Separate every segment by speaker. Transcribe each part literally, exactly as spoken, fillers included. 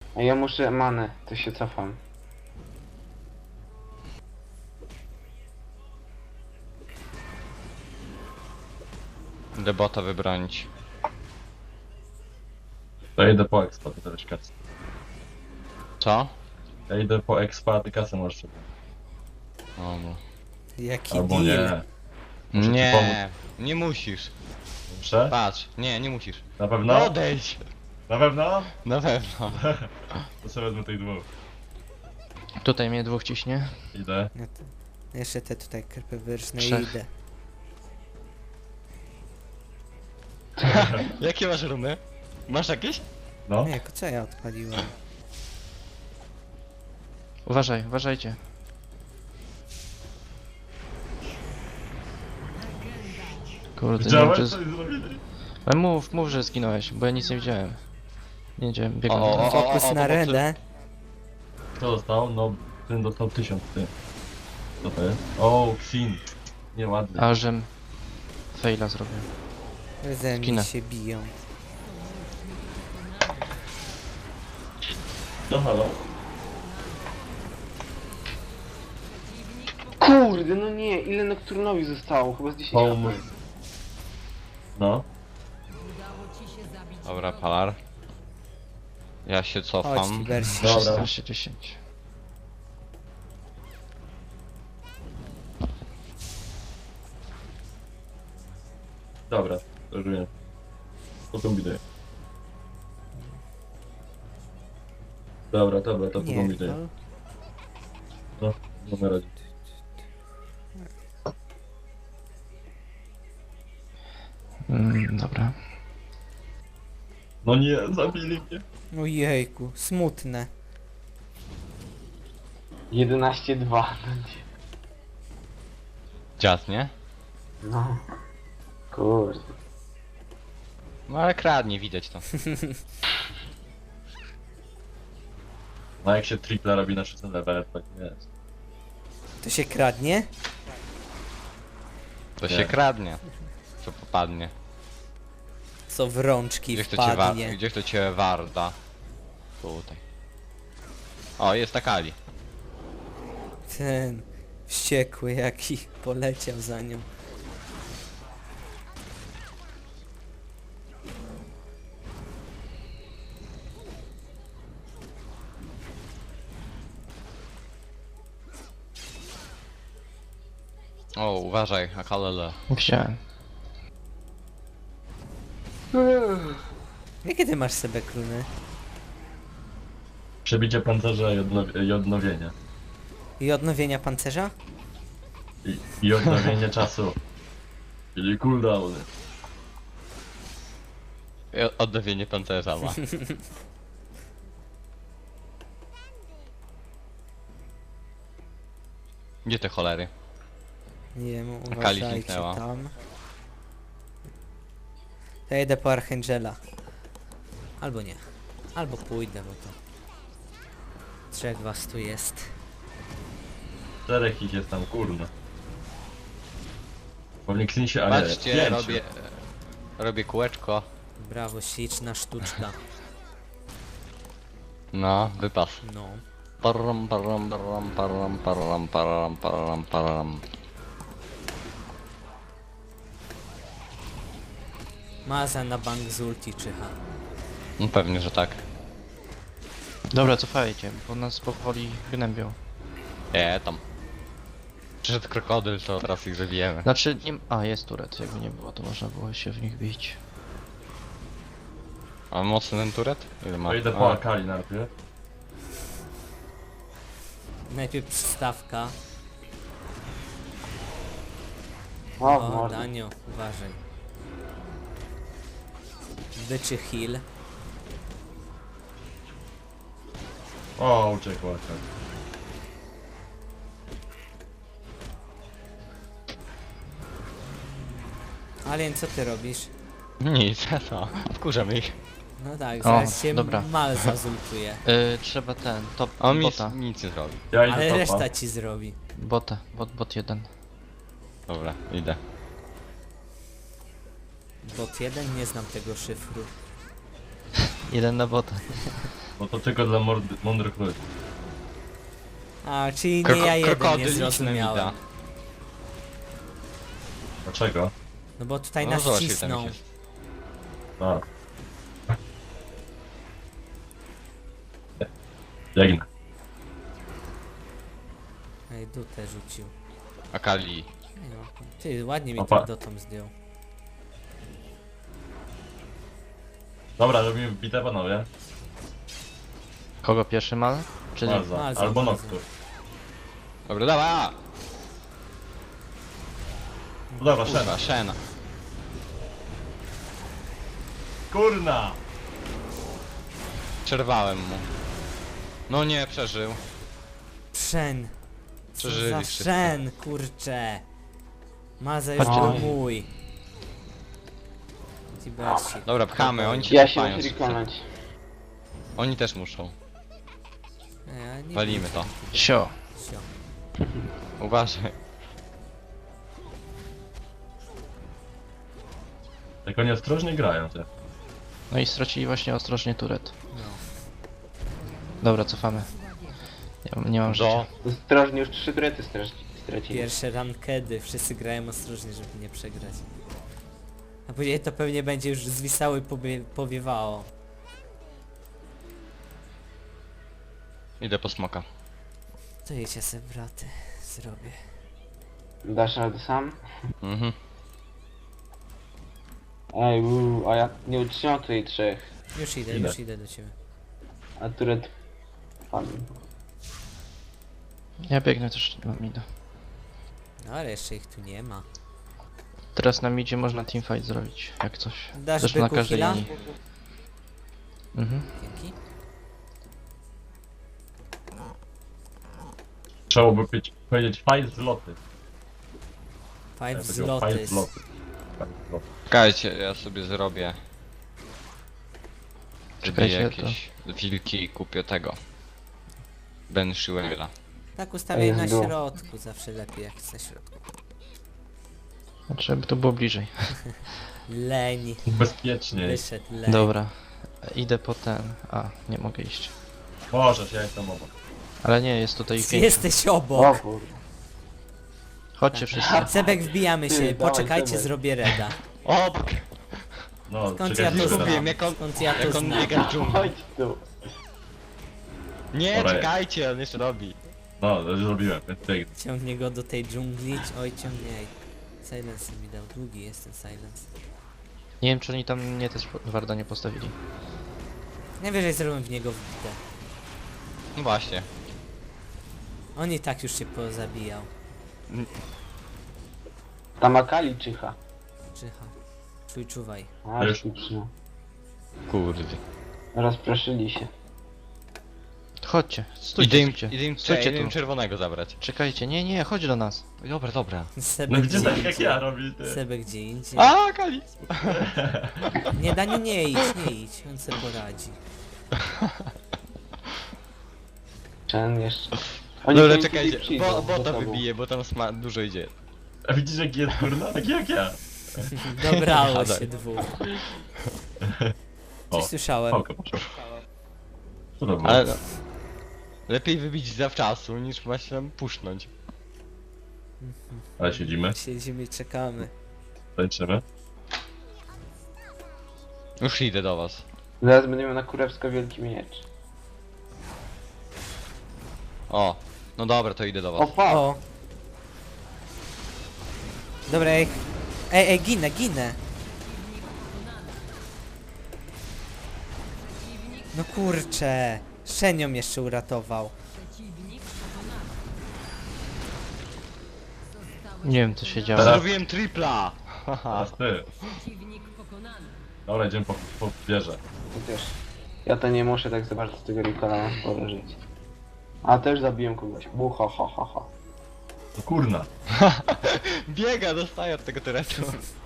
Speaker 1: A ja muszę manę, to się cofam.
Speaker 2: Idę bota wybronić.
Speaker 3: To idę po expa, ty też kasę.
Speaker 2: Co?
Speaker 3: Ja idę po expa, ty kasę możesz sobie.
Speaker 2: O, no.
Speaker 4: Jaki
Speaker 3: Albo
Speaker 4: deal.
Speaker 3: nie. Muszę ci
Speaker 2: Nie, nie musisz.
Speaker 3: Muszę?
Speaker 2: Patrz, nie, nie musisz.
Speaker 3: Na
Speaker 2: No
Speaker 3: pewno?
Speaker 2: odejdź!
Speaker 3: Na pewno?
Speaker 2: Na pewno.
Speaker 3: To sobie wezmę tych dwóch.
Speaker 5: Tutaj mnie dwóch ciśnie.
Speaker 3: Idę.
Speaker 4: No to jeszcze te tutaj karpy wyrżne i
Speaker 5: Trzech.
Speaker 4: idę.
Speaker 2: Jakie masz rumy? Masz jakieś?
Speaker 3: No.
Speaker 4: Nie, co ja odpaliłem?
Speaker 5: Uważaj, uważajcie. Kurde, nie wiem,
Speaker 3: Widziałeś
Speaker 5: czy...
Speaker 3: co oni zrobili?
Speaker 5: Ale mów, mów, że zginąłeś, bo ja nic nie widziałem. Nie wiedziałem, biegłem.
Speaker 2: O, o, o.
Speaker 4: Fokus na
Speaker 2: pomocy.
Speaker 4: renę.
Speaker 3: Kto dostał? No, ten dostał tysiąc, ty. Co to jest? O, Xin. Nieładnie.
Speaker 5: A żem... Faila zrobił.
Speaker 4: Ze mnie
Speaker 5: Skinę.
Speaker 4: się biją.
Speaker 3: No halo.
Speaker 1: Kurde, no nie, ile Nocturnowi zostało? Chyba z dziesięć
Speaker 3: Home.
Speaker 1: HP.
Speaker 3: No.
Speaker 2: Dobra, Palar. Ja się
Speaker 4: Chodź,
Speaker 2: cofam.
Speaker 4: Tibersi.
Speaker 3: Dobra.
Speaker 5: szesnaście dziesięć.
Speaker 3: Dobra, rozumiem. To kombinuję. Dobra, dobra, to
Speaker 4: Nie,
Speaker 3: kombinuję.
Speaker 4: no.
Speaker 3: No, nie ma radzie.
Speaker 5: Mm, dobra.
Speaker 3: No nie, zabili mnie.
Speaker 4: Ojejku, smutne.
Speaker 1: jedenaście dwa. No nie.
Speaker 2: Dziad, nie?
Speaker 1: No. Kurde.
Speaker 2: No ale kradnie, widać to.
Speaker 3: No jak się triple robi na szóstym levelu, tak nie jest.
Speaker 4: To się kradnie?
Speaker 2: To
Speaker 3: Nie.
Speaker 2: się kradnie. Co popadnie.
Speaker 4: Co w rączki
Speaker 2: Gdzie kto cię wa
Speaker 4: wpadnie.
Speaker 2: gdzie kto cię warda? Tutaj. O, jest ta Kali.
Speaker 4: Ten wściekły jaki poleciał za nią.
Speaker 2: O, uważaj, Akalele.
Speaker 5: Widziałem.
Speaker 4: Jakie ty masz sobie kruny?
Speaker 3: Przebicie pancerza i, odnow i odnowienie.
Speaker 4: I odnowienia pancerza?
Speaker 3: I, I odnowienie czasu. Czyli cooldown.
Speaker 2: I odnowienie pancerza ma. Gdzie te cholery?
Speaker 4: Nie wiem,
Speaker 2: Kali
Speaker 4: uważajcie
Speaker 2: zniknęła.
Speaker 4: tam. Ja jedę po Archangela. Albo nie. Albo pójdę, bo to... Trzech was tu jest.
Speaker 3: Czterech ich jest tam, kurna. Pewnie Xin się, a nie,
Speaker 2: Patrzcie,
Speaker 3: pięciu.
Speaker 2: robię... Robię kółeczko.
Speaker 4: Brawo, śliczna sztuczka.
Speaker 2: No, wypas.
Speaker 4: No.
Speaker 2: Param, param, param, param, param, param, param, param.
Speaker 4: Maza na bank z ulti czyha.
Speaker 2: No pewnie, że tak.
Speaker 5: Dobra, cofajcie, bo nas powoli gnębią.
Speaker 2: Nie, tam. Przyszedł krokodyl, to teraz ich zabijemy.
Speaker 5: Znaczy, nie... A, jest turet, jakby nie było, to można było się w nich bić.
Speaker 2: A mocny ten turet? Ile ma?
Speaker 3: To idę po
Speaker 2: A,
Speaker 3: Akali najpierw.
Speaker 4: Najpierw przystawka.
Speaker 1: O,
Speaker 4: O,
Speaker 1: mordę.
Speaker 4: Danio, uważaj. Byczy heal.
Speaker 3: O, uciekł Akali.
Speaker 4: Alien, co ty robisz?
Speaker 2: Nic, to. Wkurzamy ich.
Speaker 4: No tak,
Speaker 5: O,
Speaker 4: zaraz się
Speaker 5: dobra.
Speaker 4: mal zazultuje.
Speaker 5: Yy, trzeba ten, top,
Speaker 2: A on nic,
Speaker 5: bota.
Speaker 2: nic nie zrobi.
Speaker 3: Ja idę
Speaker 4: Ale
Speaker 3: topa.
Speaker 4: reszta ci zrobi.
Speaker 5: Bota, bot, bot jeden.
Speaker 2: Dobra, idę.
Speaker 4: Bot jeden, nie znam tego szyfru.
Speaker 5: Jeden na bota.
Speaker 3: Bo to tylko dla mordy, mądrych ludzi.
Speaker 4: A, czyli nie
Speaker 2: Kroko-
Speaker 4: ja jeden nie
Speaker 2: krokodyliczne
Speaker 4: zrozumiałem.
Speaker 2: mida.
Speaker 3: Dlaczego?
Speaker 4: No bo tutaj
Speaker 2: No
Speaker 4: nas
Speaker 2: zobacz, ile
Speaker 4: cisną.
Speaker 2: tam ich jest.
Speaker 3: A. Biegnę.
Speaker 4: Ej, dutę rzucił.
Speaker 2: Akali.
Speaker 4: Ej, no, ty, ładnie mi
Speaker 3: Opa.
Speaker 4: ten dotą zdjął.
Speaker 3: Dobra, robimy bitę, panowie.
Speaker 5: Kogo pierwszy mal? Czy nie?
Speaker 3: Malza.
Speaker 4: Malza,
Speaker 3: Albo
Speaker 4: Malza.
Speaker 3: Noctur.
Speaker 2: Dobra, dawaj!
Speaker 3: No dobra, Shen.
Speaker 2: Kurwa, Shena.
Speaker 3: Kurna!
Speaker 2: Przerwałem mu. No nie, przeżył.
Speaker 4: Przeń. Co
Speaker 2: Przeżyli
Speaker 4: za
Speaker 2: wszyscy.
Speaker 4: szen, kurcze. Maza już
Speaker 5: Chodźcie
Speaker 4: był
Speaker 1: do mnie.
Speaker 4: mój. Tibersi.
Speaker 2: Dobra, pchamy, oni ci
Speaker 1: Ja się
Speaker 2: cofają
Speaker 1: muszę
Speaker 2: wszyscy.
Speaker 1: rekonać.
Speaker 2: Oni też muszą.
Speaker 4: Ej, ja nie
Speaker 2: Walimy
Speaker 4: wiem,
Speaker 2: to.
Speaker 5: Sio.
Speaker 4: Sio.
Speaker 2: Uważaj.
Speaker 3: Jak oni ostrożnie grają, te.
Speaker 5: No i stracili właśnie ostrożnie turet.
Speaker 4: No.
Speaker 5: Dobra, cofamy. Ja nie mam życia.
Speaker 2: Do.
Speaker 1: Ostrożnie, już trzy turety straci- stracili.
Speaker 4: Pierwsze rankedy, wszyscy grają ostrożnie, żeby nie przegrać. A później to pewnie będzie już zwisało i pobie powiewało.
Speaker 2: Idę po smoka.
Speaker 4: To jedźcie se braty, zrobię.
Speaker 1: Dasz radę sam?
Speaker 2: Mhm.
Speaker 1: Ej, uu, a ja nie utrzymam tutaj trzech.
Speaker 4: Już idę,
Speaker 3: Idę.
Speaker 4: już idę do ciebie.
Speaker 1: A turet... Pan.
Speaker 5: Ja biegnę też do mida.
Speaker 4: No ale jeszcze ich tu nie ma.
Speaker 5: Teraz na midzie można teamfight zrobić, jak coś.
Speaker 4: Dasz
Speaker 5: Zresztą na
Speaker 4: byku
Speaker 5: każdej
Speaker 4: heala?
Speaker 5: linii. Mhm.
Speaker 4: Dzięki.
Speaker 3: Trzeba by pić- powiedzieć fight zloty.
Speaker 4: Five
Speaker 3: Ja
Speaker 4: z
Speaker 3: powiedział fight
Speaker 4: Lotus.
Speaker 3: zloty. Fight zloty.
Speaker 2: Czekajcie, ja sobie zrobię. Zrobię
Speaker 5: Czekajcie,
Speaker 2: jakieś wilki i kupię tego. Ben Shiwela.
Speaker 4: Tak ustawiaj na
Speaker 1: Jest go.
Speaker 4: środku, zawsze lepiej jak jest na środku.
Speaker 5: Znaczy, żeby to było bliżej.
Speaker 4: Leń.
Speaker 3: Bezpiecznie.
Speaker 4: Wyszedł leń.
Speaker 5: Dobra. Idę po ten. A, nie mogę iść.
Speaker 3: Możesz, ja jestem obok.
Speaker 5: Ale nie, jest tutaj ich pięć.
Speaker 4: Jesteś
Speaker 1: O
Speaker 4: obok.
Speaker 1: kurde.
Speaker 5: Chodźcie wszyscy.
Speaker 4: Sebek wbijamy się,
Speaker 1: Ty, dawaj,
Speaker 4: poczekajcie,
Speaker 1: Sebek.
Speaker 4: zrobię reda.
Speaker 2: O,
Speaker 3: No,
Speaker 4: Skąd
Speaker 3: czekaj,
Speaker 4: ja to
Speaker 3: chwilę.
Speaker 4: znam?
Speaker 2: zgubiłem, jak on,
Speaker 4: Skąd ja to
Speaker 2: jak on
Speaker 4: znam?
Speaker 2: biega w dżungli.
Speaker 1: Chodź tu.
Speaker 2: Nie,
Speaker 3: Dobra.
Speaker 2: czekajcie, on jeszcze robi.
Speaker 3: No, to już zrobiłem, więc biegnę.
Speaker 4: Ciągnie go do tej dżungli. Oj, ciągnie. Silence mi dał. Długi jest ten silence.
Speaker 5: Nie wiem, czy oni tam mnie też Warda nie postawili.
Speaker 4: Najwyżej zrobię w niego wbite.
Speaker 2: No właśnie.
Speaker 4: On i tak już się pozabijał.
Speaker 1: Tam Akali czyha.
Speaker 4: Czyha. Czuj, czuwaj.
Speaker 1: A,
Speaker 3: Już.
Speaker 1: już przyjął.
Speaker 2: Kurde.
Speaker 1: Rozproszyli się.
Speaker 5: Chodźcie,
Speaker 2: Idę
Speaker 5: stójcie,
Speaker 2: im,
Speaker 5: stójcie.
Speaker 2: idę im,
Speaker 5: Stójcie
Speaker 2: idę im
Speaker 5: tu.
Speaker 2: czerwonego zabrać.
Speaker 5: Czekajcie, nie, nie, chodź do nas.
Speaker 2: Dobra, dobra.
Speaker 4: Sebek
Speaker 3: No gdzie
Speaker 4: gdzie
Speaker 3: tak jak
Speaker 4: indziej.
Speaker 3: ja robi, ty?
Speaker 4: Sebek gdzie indziej.
Speaker 2: A, Kali!
Speaker 4: Nie, Daniu, nie idź, nie idź. On sobie poradzi.
Speaker 1: Ten jeszcze. Oni
Speaker 2: Dobra,
Speaker 1: tu
Speaker 2: czekajcie,
Speaker 1: tutaj przyjdą
Speaker 2: bo, bo
Speaker 1: do
Speaker 2: to
Speaker 1: tobą.
Speaker 2: wybije, bo tam sma dużo idzie.
Speaker 3: A widzisz jaki jest kurna? Taki jak ja.
Speaker 4: Dobrało
Speaker 2: Gadaj.
Speaker 4: się dwóch.
Speaker 3: O,
Speaker 4: Coś słyszałem.
Speaker 3: Pałka poszła. Co to było?
Speaker 2: Ale no, lepiej wybić zawczasu, niż właśnie tam pusznąć.
Speaker 3: Ale siedzimy,
Speaker 4: Siedzimy i czekamy.
Speaker 3: tańczymy.
Speaker 2: Już idę do was.
Speaker 1: Zaraz będziemy na kurewsko wielki miecz.
Speaker 2: O, no dobra, to idę do
Speaker 1: O
Speaker 2: was.
Speaker 1: fuck!
Speaker 4: O! Dobra, ej. Ej, ej, ginę, ginę! No kurcze! Szenią jeszcze uratował.
Speaker 5: Nie wiem, co się działo.
Speaker 3: Teraz-
Speaker 2: Zrobiłem tripla! Haha.
Speaker 3: Teraz ty. Dobra, idziemy po, po wieżę.
Speaker 1: To też. Ja to nie muszę tak zobaczyć z tego Ricola, mam sporo żyć. A też zabiłem kogoś. Bu, ha, ha, ha, ha.
Speaker 3: No kurna.
Speaker 2: Biega, dostaje od tego turetu.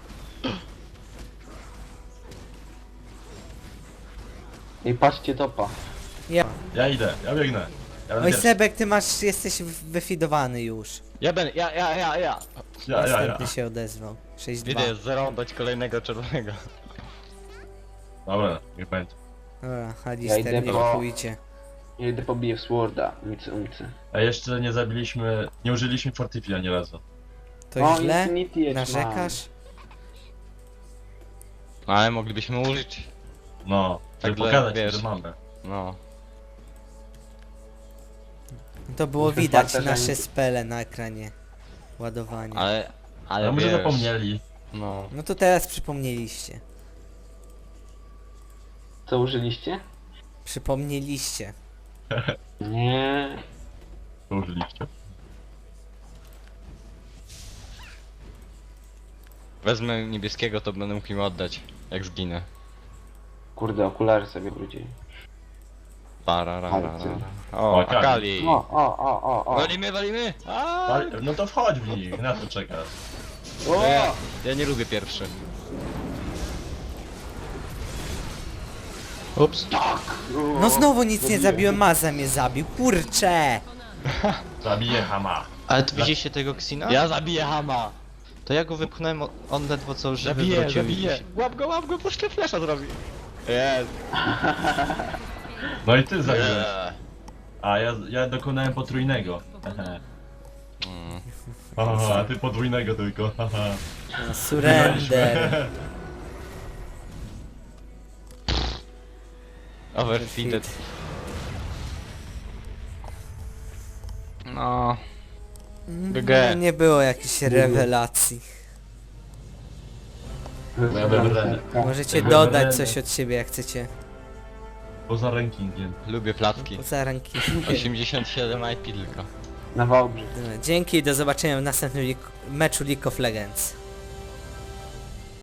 Speaker 1: I patrzcie topa.
Speaker 3: Ja idę, ja biegnę. Ja będę
Speaker 4: Oj,
Speaker 3: pierwszy.
Speaker 4: Sebek, ty masz, jesteś w- wyfidowany już.
Speaker 2: Ja ben, ja, ja, ja, ja.
Speaker 3: Ja, ja, ja.
Speaker 4: Następny się odezwał. sześć dwa.
Speaker 2: Idę zarąbać kolejnego czerwonego.
Speaker 3: Dobra, niech będzie.
Speaker 4: Dobra, Alister,
Speaker 1: idę
Speaker 4: nie
Speaker 1: po-
Speaker 4: kupujcie.
Speaker 1: Ja idę pobiję w Sworda. Umcy, umcy.
Speaker 3: A jeszcze nie zabiliśmy, nie użyliśmy Fortify ani razu.
Speaker 4: To
Speaker 1: O,
Speaker 4: źle?
Speaker 1: Infinity Edge
Speaker 4: Narzekasz?
Speaker 2: Ale moglibyśmy użyć.
Speaker 3: No,
Speaker 2: Tak
Speaker 3: żeby
Speaker 2: dla-
Speaker 3: pokazać,
Speaker 2: wiesz.
Speaker 3: że mamy.
Speaker 2: No.
Speaker 4: To było
Speaker 1: Muszę
Speaker 4: widać
Speaker 1: patrzeć,
Speaker 4: nasze
Speaker 1: że-
Speaker 4: spele na ekranie. Ładowanie.
Speaker 2: Ale... Ale
Speaker 3: Ale może
Speaker 2: wiesz,
Speaker 3: zapomnieli.
Speaker 2: No.
Speaker 4: No to teraz przypomnieliście.
Speaker 1: Co użyliście?
Speaker 4: Przypomnieliście.
Speaker 1: Nie.
Speaker 3: To użyliście.
Speaker 2: Wezmę niebieskiego, to będę mógł im oddać, jak zginę.
Speaker 1: Kurde, okulary sobie wrócili.
Speaker 2: Pararara.
Speaker 3: O,
Speaker 2: O,
Speaker 3: Akali.
Speaker 2: Akali.
Speaker 1: O, o, o, o, o.
Speaker 2: Walimy, walimy! A!
Speaker 3: Ale, no to wchodź w nich, na co czekasz?
Speaker 2: To ja, ja nie lubię pierwszy.
Speaker 5: Ups.
Speaker 4: No znowu nic nie zabiłem, Maza mnie zabił. Kurcze!
Speaker 3: Zabiję Hama.
Speaker 5: Ale tu widzieliście tego Xina?
Speaker 2: Ja zabiję Hama!
Speaker 5: To ja go wypchnąłem, o- on ledwo co żywy
Speaker 2: Zabiję,
Speaker 5: wrócił i-
Speaker 2: zabiję! Łap go, łap go, puszczę flesza zrobi. Jest.
Speaker 3: No i ty zabiłeś.
Speaker 2: Yeah.
Speaker 3: A ja, ja dokonałem potrójnego. Haha.
Speaker 2: Mm.
Speaker 3: Aha, a ty podwójnego tylko. Haha.
Speaker 4: No, surrender.
Speaker 2: Overfeeded. No.
Speaker 4: No,
Speaker 2: G G.
Speaker 4: nie było jakichś rewelacji.
Speaker 3: Ja będę
Speaker 4: Możecie
Speaker 3: Jakby
Speaker 4: dodać
Speaker 3: będę-
Speaker 4: coś od siebie jak chcecie.
Speaker 3: poza rankingiem.
Speaker 2: Lubię placki.
Speaker 4: Poza ranki.
Speaker 2: osiemdziesiąt siedem I P tylko.
Speaker 1: Na Wałbrzych.
Speaker 4: Dzięki i do zobaczenia w następnym lik- meczu League of Legends.